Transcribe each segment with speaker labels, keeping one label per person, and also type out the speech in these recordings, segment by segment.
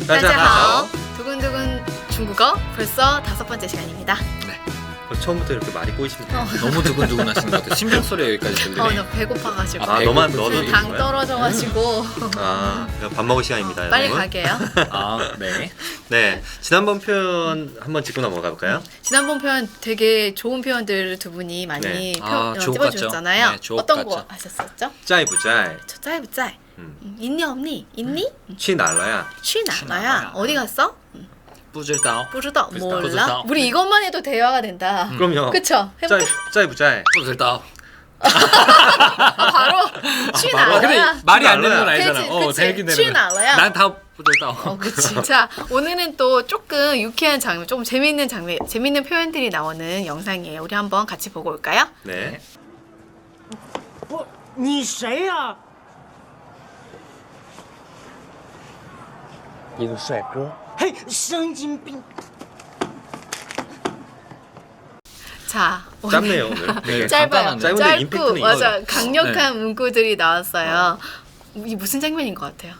Speaker 1: 따자하오.
Speaker 2: 두근두근 중국어 벌써 5번째 시간입니다.
Speaker 1: 처음부터 이렇게 말이 꼬이십니다.
Speaker 3: 너무 두근두근 하시는 것 같아요. 심장 소리가 여기까지 들리네.
Speaker 2: 나 배고파가지고.
Speaker 3: 아,
Speaker 1: 너만
Speaker 3: 배고프지.
Speaker 1: 너도
Speaker 2: 당
Speaker 1: 드는 거야?
Speaker 2: 떨어져가지고
Speaker 1: 밥 먹을 시간입니다.
Speaker 2: 빨리
Speaker 1: 여러분.
Speaker 2: 가게요.
Speaker 3: 네.
Speaker 1: 네, 지난번 표현 한번 짚고 넘어가 볼까요?
Speaker 2: 지난번 표현 되게 좋은 표현들을 두 분이 많이
Speaker 1: 네.
Speaker 3: 주옥
Speaker 2: 찝어주셨잖아요.
Speaker 3: 같죠? 네, 주옥
Speaker 2: 어떤 거
Speaker 3: 같죠?
Speaker 2: 하셨었죠?
Speaker 1: 짜이부짜이,
Speaker 2: 就在不在? 있니 없니? 있니?
Speaker 1: 취날라야.
Speaker 2: 去哪야? 어디 갔어?
Speaker 3: 不知道.
Speaker 2: 不知道.
Speaker 3: 不知道.
Speaker 2: 몰라?
Speaker 3: 不知道.
Speaker 2: 우리 이것만 해도 대화가 된다.
Speaker 1: 그럼요.
Speaker 2: 그쵸? 해볼까?
Speaker 1: 짜이부짜이.
Speaker 3: 不知道.
Speaker 2: 바로 去哪
Speaker 3: 근데
Speaker 2: 了呀?
Speaker 3: 말이 안 되는 건
Speaker 1: 알아요.
Speaker 3: 알잖아.
Speaker 2: 그치,
Speaker 3: 되긴
Speaker 2: 그치.
Speaker 3: 되는
Speaker 2: 취나 알아요?
Speaker 3: 난다 不知道.
Speaker 2: 그치. 자, 오늘은 또 조금 유쾌한 장면, 좀 재밌는 장면, 재밌는 표현들이 나오는 영상이에요. 우리 한번 같이 보고 올까요?
Speaker 1: 네.
Speaker 4: 你谁呀、
Speaker 5: 一个帅哥，
Speaker 4: 嘿，神经病！
Speaker 2: 자, 오늘
Speaker 1: 짧네요 오늘. 되게.
Speaker 2: 짧아요.
Speaker 3: 간단한데.
Speaker 1: 짧은데
Speaker 2: 짧고
Speaker 1: 임팩트는
Speaker 2: 맞아.
Speaker 1: 있어요.
Speaker 2: 강력한 문구들이 나왔어요. 이 무슨 장면인 것 같아요?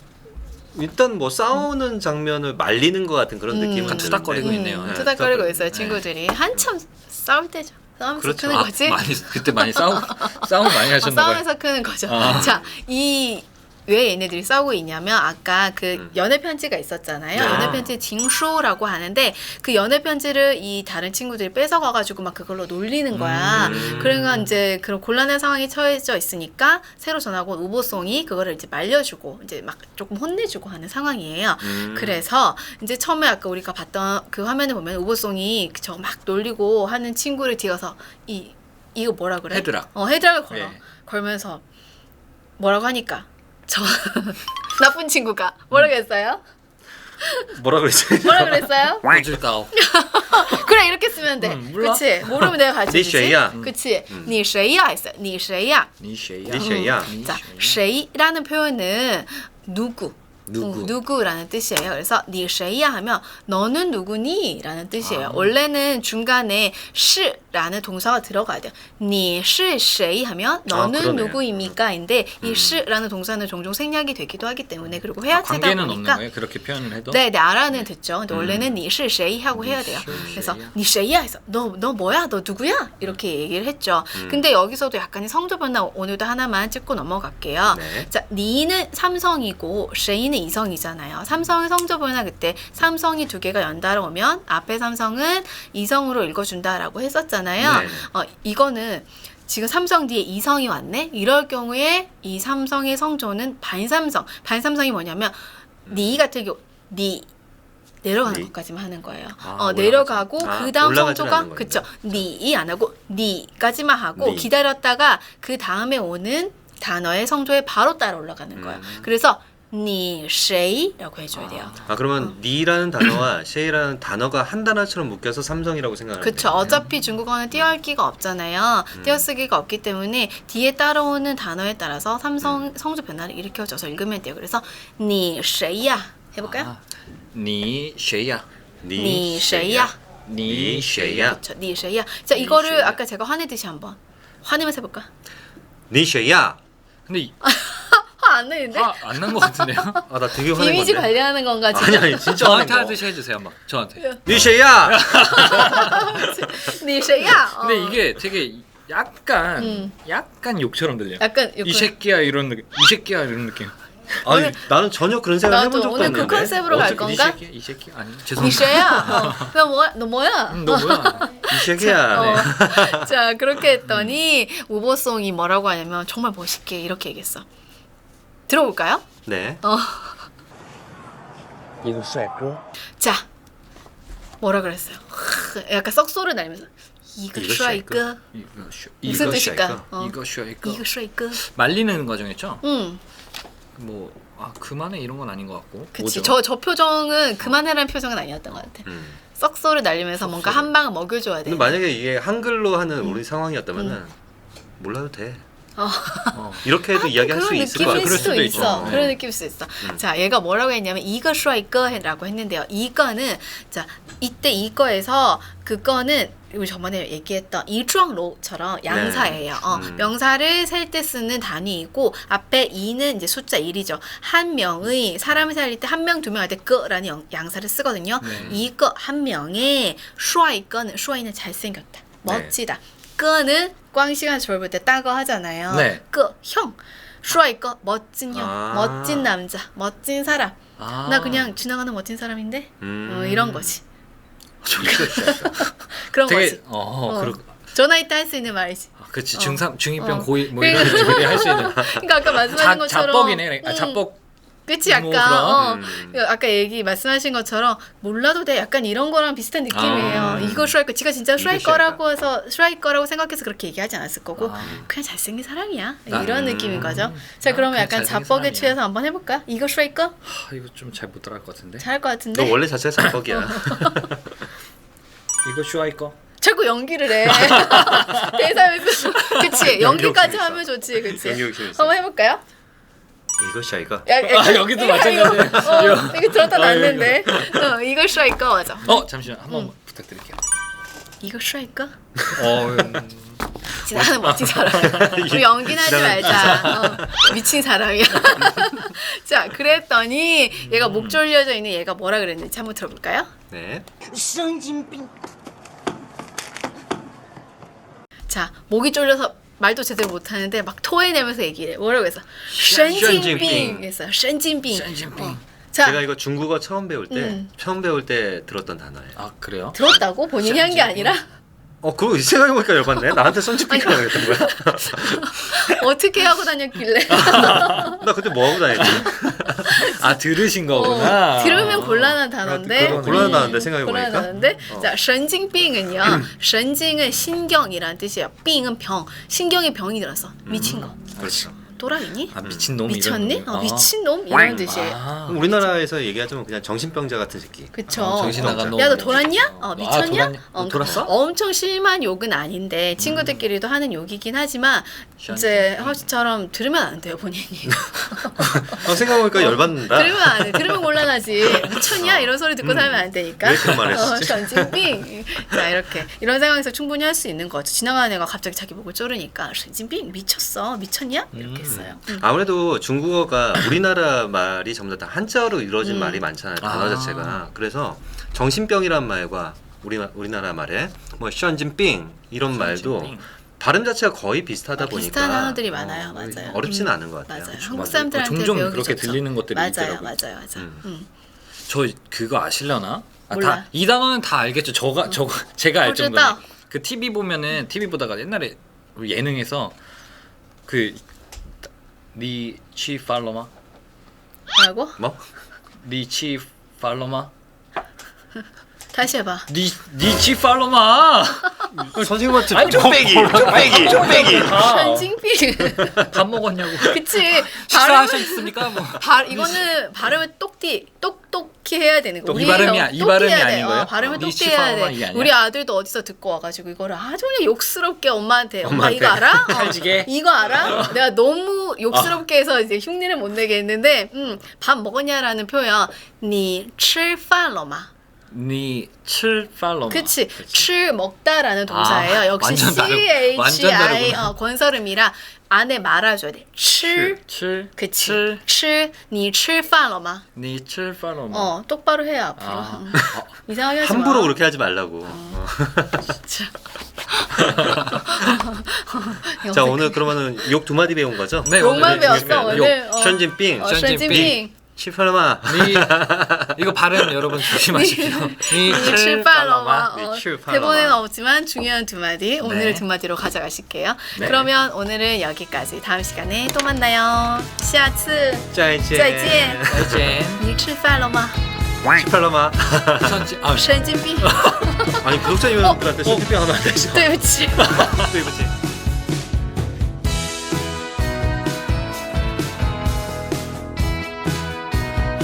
Speaker 1: 일단 뭐 싸우는 장면을 말리는 것 같은 그런 느낌은
Speaker 3: 약간 투닥거리고
Speaker 1: 드는데.
Speaker 3: 있네요. 네,
Speaker 2: 투닥거리고
Speaker 1: 투닥거리고.
Speaker 2: 있어요, 친구들이. 한참 싸울 때죠. 싸우면서
Speaker 1: 그렇죠.
Speaker 2: 크는 거지.
Speaker 3: 그때 많이 싸움 많이 하셨나 봐요.
Speaker 2: 싸우면서 크는 거죠.
Speaker 3: 아.
Speaker 2: 자, 왜 얘네들이 싸우고 있냐면 아까 그 연애 편지가 있었잖아요.
Speaker 1: 네.
Speaker 2: 연애 편지 징수라고 하는데 그 연애 편지를 이 다른 친구들이 뺏어가 가지고 막 그걸로 놀리는 거야. 그러니까 이제 그런 곤란한 상황에 처해져 있으니까 새로 전학 온 우보송이 그거를 이제 말려주고 이제 막 조금 혼내주고 하는 상황이에요. 그래서 이제 처음에 아까 우리가 봤던 그 화면을 보면 우보송이 저 막 놀리고 하는 친구를 뒤에서 이거 뭐라 그래?
Speaker 3: 헤드락.
Speaker 2: 헤드락을 걸어.
Speaker 3: 예.
Speaker 2: 걸면서 뭐라고 하니까 저 나쁜 친구가 뭐라고 했어요?
Speaker 1: 뭐라 그랬지?
Speaker 2: 뭐라 그랬어요?
Speaker 3: 不知道.
Speaker 2: 그래 이렇게 쓰면 돼.
Speaker 3: 몰라.
Speaker 2: 그치? 모르면 내가 가르쳐
Speaker 1: 니
Speaker 2: 주지.
Speaker 1: 谁呀?
Speaker 2: 그치? 你谁呀 했어요. 你谁呀?
Speaker 3: 你谁呀?
Speaker 1: 니谁呀?
Speaker 2: 자, 谁라는 표현은 누구.
Speaker 3: 누구.
Speaker 2: 누구라는 뜻이에요. 그래서 你谁呀 하면 너는 누구니? 라는 뜻이에요. 원래는 중간에 是라는 동사가 들어가야 돼요. 你是谁 하면 너는
Speaker 1: 그러네.
Speaker 2: 누구입니까? 인데 이 是라는 동사는 종종 생략이 되기도 하기 때문에 그리고 회화체다
Speaker 3: 관계는 없는
Speaker 2: 보니까
Speaker 3: 거예요? 그렇게 표현을 해도?
Speaker 2: 네, 알아는 듣죠. 근데 원래는 你是谁 하고 해야 돼요. 그래서 你谁呀 해서 너 뭐야? 너 누구야? 이렇게 얘기를 했죠. 근데 여기서도 약간의 성조 변화 오늘도 하나만 짚고 넘어갈게요.
Speaker 1: 네.
Speaker 2: 자, 니는 삼성이고 谁는 이성이잖아요. 삼성의 성조 변화 그때 삼성이 두 개가 연달아 오면 앞에 삼성은 이성으로 읽어준다라고 했었잖아요.
Speaker 1: 네.
Speaker 2: 이거는 지금 삼성 뒤에 이성이 왔네? 이럴 경우에 이 삼성의 성조는 반삼성. 반삼성이 뭐냐면 니 같은 경우 니 내려가는
Speaker 1: 니?
Speaker 2: 것까지만 하는 거예요.
Speaker 1: 올라가지.
Speaker 2: 내려가고 그 다음
Speaker 1: 올라가지는
Speaker 2: 성조가
Speaker 1: 않는
Speaker 2: 그쵸.
Speaker 1: 거니까.
Speaker 2: 니이 안 하고 니까지만 하고
Speaker 1: 니.
Speaker 2: 기다렸다가 그 다음에 오는 단어의 성조에 바로 따라 올라가는 거예요. 그래서 니谁라고 해줘야 돼요.
Speaker 1: 그러면 니라는 단어와 쉐이라는 단어가 한 단어처럼 묶여서 삼성이라고 생각하는
Speaker 2: 그쵸. 어차피 중국어는 띄어읽기가 없잖아요. 띄어쓰기가 없기 때문에 뒤에 따라오는 단어에 따라서 성조 변화를 일으켜줘서 읽으면 돼요. 그래서 你谁呀 해볼까요?
Speaker 3: 你谁呀?
Speaker 2: 你谁呀?
Speaker 3: 你谁呀?
Speaker 2: 그쵸. 你谁呀? 자, 이거를 아까 제가 화내듯이 한번 화내면서 해볼까?
Speaker 1: 니 쉐이야.
Speaker 3: 근데
Speaker 2: 화 안 내는데?
Speaker 3: 안 난 것 같은데요?
Speaker 1: 나 되게 화낸
Speaker 2: 이미지
Speaker 1: 건데.
Speaker 2: 관리하는 건가 지금?
Speaker 1: 아니 진짜 화낸
Speaker 3: 저한테
Speaker 1: 거.
Speaker 3: 하듯이 해주세요, 막 저한테.
Speaker 1: 니 쉐이야.
Speaker 2: 你谁呀?
Speaker 3: 근데 이게 되게 약간 욕처럼 들려요.
Speaker 2: 약간
Speaker 3: 이 새끼야 이런 느낌. 이 새끼야 이런 느낌.
Speaker 1: 아니 나는 전혀 그런 생각
Speaker 2: 나도
Speaker 1: 해본 적도
Speaker 2: 오늘
Speaker 1: 없는데.
Speaker 2: 그 컨셉으로 갈
Speaker 3: 어떻게
Speaker 2: 건가?
Speaker 3: 이 새끼 아니
Speaker 2: 你
Speaker 3: 죄송합니다.
Speaker 2: 谁呀? 너 뭐야?
Speaker 3: 너 뭐야?
Speaker 1: 이 쉐이야.
Speaker 2: 자, 그렇게 했더니 우보송이 뭐라고 하냐면 정말 멋있게 이렇게 얘기했어. 들어볼까요?
Speaker 1: 네.
Speaker 5: 一个帅哥，
Speaker 2: 자, 뭐라 그랬어요? 약간 썩소를 날면서 이거
Speaker 1: 이거
Speaker 2: 슈아이꺼 무슨
Speaker 3: 이거
Speaker 2: 뜻일까?
Speaker 3: 이거 슈아이꺼.
Speaker 2: 이거 슈아이꺼.
Speaker 3: 말리는 과정이죠?
Speaker 2: 응,
Speaker 3: 뭐 그만해 이런 건 아닌 것 같고.
Speaker 2: 그치.
Speaker 3: 뭐죠?
Speaker 2: 저 표정은 그만해라는 표정은 아니었던 것 같아. 썩소를 날리면서 뭔가 한 방을 먹여줘야 돼.
Speaker 1: 근데 만약에 이게 한글로 하는 우리 상황이었다면은 몰라도 돼. 이렇게 해도 이야기할 수
Speaker 2: 그런
Speaker 1: 있을 것
Speaker 2: 느낌일
Speaker 1: 같아요.
Speaker 2: 수도
Speaker 3: 수도
Speaker 2: 있어.
Speaker 3: 있죠.
Speaker 2: 그런
Speaker 3: 네.
Speaker 2: 느낌일 수 있어. 자, 얘가 뭐라고 했냐면 이거 슈아이거라고 했는데요. 이거는 자 이때 이거에서 그거는 우리 저번에 얘기했던 이주왕로처럼 양사예요. 명사를 셀 때 쓰는 단위이고 앞에 이는 이제 숫자 1이죠. 한 명의 사람을 살릴 때 한 명, 두 명 할 때 거라는 양사를 쓰거든요.
Speaker 3: 네.
Speaker 2: 이거 한 명의 슈아이거는 슈아이는 잘생겼다. 멋지다. 거는 꽝시간 졸볼 때 따거 하잖아요.
Speaker 3: 네.
Speaker 2: 거 형. 슈아이거 멋진 형,
Speaker 1: 아.
Speaker 2: 멋진 남자, 멋진 사람.
Speaker 3: 아.
Speaker 2: 나 그냥 지나가는 멋진 사람인데 이런 거지. 그런
Speaker 3: 되게
Speaker 2: 거지. 전화 이때 할 수 있는 말이지.
Speaker 3: 그렇지 중3 중2병
Speaker 2: 어.
Speaker 3: 고2 뭐 이런 애들이 할 수 있는
Speaker 2: 그러니까 아까 말씀하신 것처럼
Speaker 3: 자뻑이네. 자뻑
Speaker 2: 그치 약간
Speaker 3: 뭐
Speaker 2: 그 아까 얘기 말씀하신 것처럼 몰라도 돼 약간 이런 거랑 비슷한 느낌이에요. 이거 슈라이거 지가 진짜 슈라이거라고 해서 슈라이거라고 생각해서 그렇게 얘기하지 않았을 거고 그냥 잘생긴 사람이야 이런 느낌인 거죠. 자 그러면
Speaker 3: 그냥
Speaker 2: 약간
Speaker 3: 잘생긴
Speaker 2: 자뻑에
Speaker 3: 사람이야.
Speaker 2: 취해서 한번 해볼까? 이거 슈라이거
Speaker 3: 이거 좀 잘 못 따라할 것 같은데.
Speaker 2: 잘할 것
Speaker 1: 너
Speaker 2: 같은데
Speaker 1: 원래 자체가 자뻑이야.
Speaker 3: 이거 슈아이거.
Speaker 2: 자꾸 연기를 해. 대사에서 그치 연기까지
Speaker 1: 있어.
Speaker 2: 하면 좋지 그치.
Speaker 1: 연기 욕심 있어.
Speaker 2: 한번 해볼까요?
Speaker 1: 이것이야 이거.
Speaker 3: 여기도 마찬가지예요.
Speaker 2: 이거 들었다 놨는데 이거 슈라이거 맞아.
Speaker 3: 잠시만 한번 부탁드릴게요.
Speaker 2: 이거 슈라이거?
Speaker 3: 어,
Speaker 2: 지나가는 멋진 사람. 우리 연기는 하지 말자. 미친 사람이야. 자, 그랬더니 얘가 목 졸려져 있는 얘가 뭐라 그랬는지 한번 들어볼까요?
Speaker 1: 네.
Speaker 4: 神经病！
Speaker 2: 자, 목이 졸려서 말도 제대로 못하는데 막 토해내면서 얘기를 해. 뭐라고 했어?
Speaker 1: 神经病
Speaker 2: 神经病 했어요. 神经病.
Speaker 3: 션진핑.
Speaker 2: 자,
Speaker 1: 제가 이거 중국어 처음 배울 때 들었던 단어예요.
Speaker 3: 아 그래요?
Speaker 2: 들었다고? 본인이 한 게 아니라?
Speaker 1: 그거 생각해보니까 열받네. 나한테 썬지핑이라고 그랬던 거야.
Speaker 2: 어떻게 하고 다녔길래?
Speaker 1: 나 그때 뭐 하고 다녔지?
Speaker 3: 아 들으신 거구나.
Speaker 2: 들으면 곤란한 단어인데.
Speaker 3: 그러네.
Speaker 1: 곤란하다는데 생각해보니까.
Speaker 2: 곤란한데. 자, 神经病은요. 神经은 신경이란 뜻이에요. 病은 병. 신경에 병이 들어서 미친 거.
Speaker 1: 그렇죠.
Speaker 2: 또라이니?
Speaker 3: 아 미친놈
Speaker 2: 미쳤니?
Speaker 3: 이런 거.
Speaker 2: 미친놈? 이런 뜻이에요.
Speaker 3: 아.
Speaker 1: 우리나라에서 얘기하자면 그냥 정신병자 같은 새끼.
Speaker 2: 그쵸.
Speaker 3: 정신 나간 놈.
Speaker 2: 야, 너 돌았냐? 미쳤냐?
Speaker 3: 돌았냐? 돌았어?
Speaker 2: 엄청 심한 욕은 아닌데 친구들끼리도 하는 욕이긴 하지만 이제 허씨처럼 들으면 안 돼요, 본인이.
Speaker 1: 생각해보니까 열받는다.
Speaker 2: 들으면 안 돼. 들으면 곤란하지. 미쳤냐? 이런 소리 듣고 살면 안 되니까.
Speaker 1: 왜 그런 말을 했었지?
Speaker 2: 전진빙. 자, 이렇게. 이런 상황에서 충분히 할 수 있는 거죠. 지나가는 애가 갑자기 자기 목을 조르니까 전진빙 미쳤어. 미쳤냐? 이렇게 했어요.
Speaker 1: 아무래도 중국어가 우리나라 말이 전부 다 한자어로 이루어진 말이 많잖아요. 단어
Speaker 3: 아.
Speaker 1: 자체가. 그래서 정신병이란 말과 우리나라 말에 뭐 션진빙 이런 말도
Speaker 3: 션진빙.
Speaker 1: 발음 자체가 거의 비슷하다 보니까
Speaker 2: 비슷한 단어들이 많아요. 맞아요.
Speaker 1: 어렵지는 않은 것 같아요.
Speaker 2: 맞아요.
Speaker 1: 그쵸?
Speaker 2: 한국
Speaker 3: 맞아요.
Speaker 2: 사람들한테
Speaker 3: 종종
Speaker 2: 배우기
Speaker 3: 그렇게
Speaker 2: 좋죠.
Speaker 3: 들리는 것들이
Speaker 2: 맞아요.
Speaker 3: 있더라고요.
Speaker 2: 맞아요.
Speaker 3: 저 그거 아시려나?
Speaker 2: 몰라.
Speaker 3: 이 단어는 다 알겠죠. 제가 알 정도로.
Speaker 2: 호주다.
Speaker 3: 그 TV 보면은 TV 보다가 옛날에 우리 예능에서 그 리치 팔로마
Speaker 2: 뭐라고?
Speaker 1: 뭐?
Speaker 3: 리치 팔로마
Speaker 2: 다시 해봐.
Speaker 3: 리치 팔로마
Speaker 1: 선생님한테
Speaker 3: 아니,
Speaker 1: 쪽배기.
Speaker 2: 전진빙.
Speaker 3: 밥 먹었냐고.
Speaker 2: 그치.
Speaker 3: 식사하셨습니까? 뭐.
Speaker 2: 이거는 발음을 똑똑히 해야 되는 거.
Speaker 3: 이 발음이 이 발음이 아닌 거예요?
Speaker 2: 발음을
Speaker 3: 리치
Speaker 2: 똑똑히 해야
Speaker 3: 팔로마
Speaker 2: 돼.
Speaker 3: 이게 아니야?
Speaker 2: 우리 아들도 어디서 듣고 와가지고 이거를 아주 그냥 욕스럽게 엄마한테 엄마
Speaker 1: 엄마한테.
Speaker 2: 이거 알아?
Speaker 3: 찰지게?
Speaker 2: 이거 알아? 내가 너무 욕스럽게 해서 이제 흉내를 못 내게 했는데 밥 먹었냐라는 표현 니吃饭了吗?
Speaker 3: 니칠 팔로마.
Speaker 2: 그치. 吃 먹다라는 동사예요. 역시
Speaker 3: 완전 다르-
Speaker 2: CHI
Speaker 3: 완전 다르구나.
Speaker 2: 권설음이라 안에 말아줘야 돼. 吃 그치. 吃 你吃饭了吗?
Speaker 3: 니칠 팔로마.
Speaker 2: 똑바로 해야 앞으로.
Speaker 3: 아.
Speaker 2: 이상하게 하지 마.
Speaker 1: 함부로 그렇게 하지 말라고. 자 오늘 그러면은 욕 두 마디 배운 거죠?
Speaker 3: 네,
Speaker 2: 욕만
Speaker 3: 오늘
Speaker 2: 배웠어 오늘.
Speaker 1: 션진빙.
Speaker 2: 션진빙.
Speaker 1: 치팔마.
Speaker 3: 이거 발음 여러분 조심하십시오.
Speaker 2: 니칠 팔로마.
Speaker 1: 니칠 팔로마.
Speaker 2: 대본에는 없지만 중요한 두 마디. 오늘을 두 마디로 가져가실게요.
Speaker 3: 네.
Speaker 2: 그러면 오늘은 여기까지. 다음 시간에 또 만나요. 下次
Speaker 1: 짜이젠.
Speaker 2: 再见.
Speaker 3: 再见.
Speaker 2: 你吃饭了吗?
Speaker 1: 치팔마.
Speaker 2: 神经病.
Speaker 1: 아니 구독자님들한테 션진빙 하면 안 되죠?
Speaker 2: 对不起。
Speaker 1: 对不起。